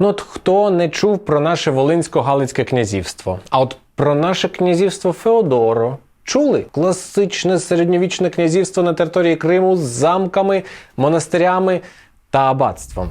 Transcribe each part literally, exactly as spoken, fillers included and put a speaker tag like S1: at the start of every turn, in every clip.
S1: Ну от хто не чув про наше Волинсько-Галицьке князівство? А от про наше князівство Феодоро чули? Класичне середньовічне князівство на території Криму з замками, монастирями та аббатством.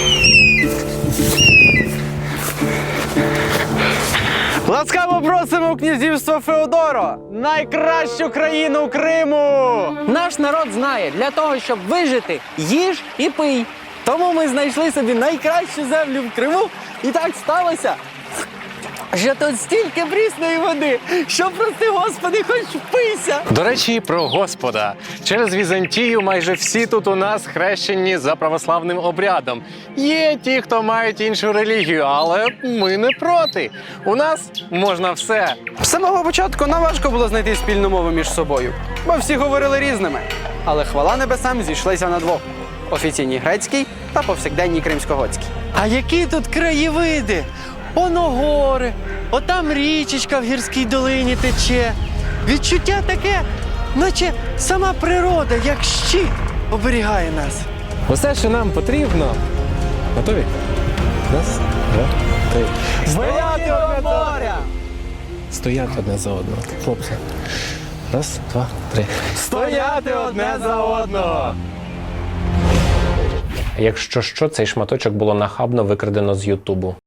S2: Ласкаво просимо у князівство Феодоро, найкращу країну Криму!
S3: Наш народ знає, для того, щоб вижити, їж і пий. Тому ми знайшли собі найкращу землю в Криму, і так сталося, що тут стільки прісної води, що, прости Господи, хоч впийся.
S1: До речі, про Господа. Через Візантію майже всі тут у нас хрещені за православним обрядом. Є ті, хто мають іншу релігію, але ми не проти. У нас можна все.
S2: З самого початку нам важко було знайти спільну мову між собою, бо всі говорили різними. Але хвала небесам зійшлися на двох – офіційній грецькій та повсякденній кримськоготській.
S3: А які тут краєвиди? Оно гори, отам річечка в гірській долині тече. Відчуття таке, наче сама природа, як щит, оберігає нас.
S1: Усе, що нам потрібно. Готові? Раз, два, три.
S3: Стояти у моря!
S1: Стояти одне за одного. Хлопці. Раз, два, три.
S2: Стояти одне за одного!
S1: Якщо що, цей шматочок було нахабно викрадено з Ютубу.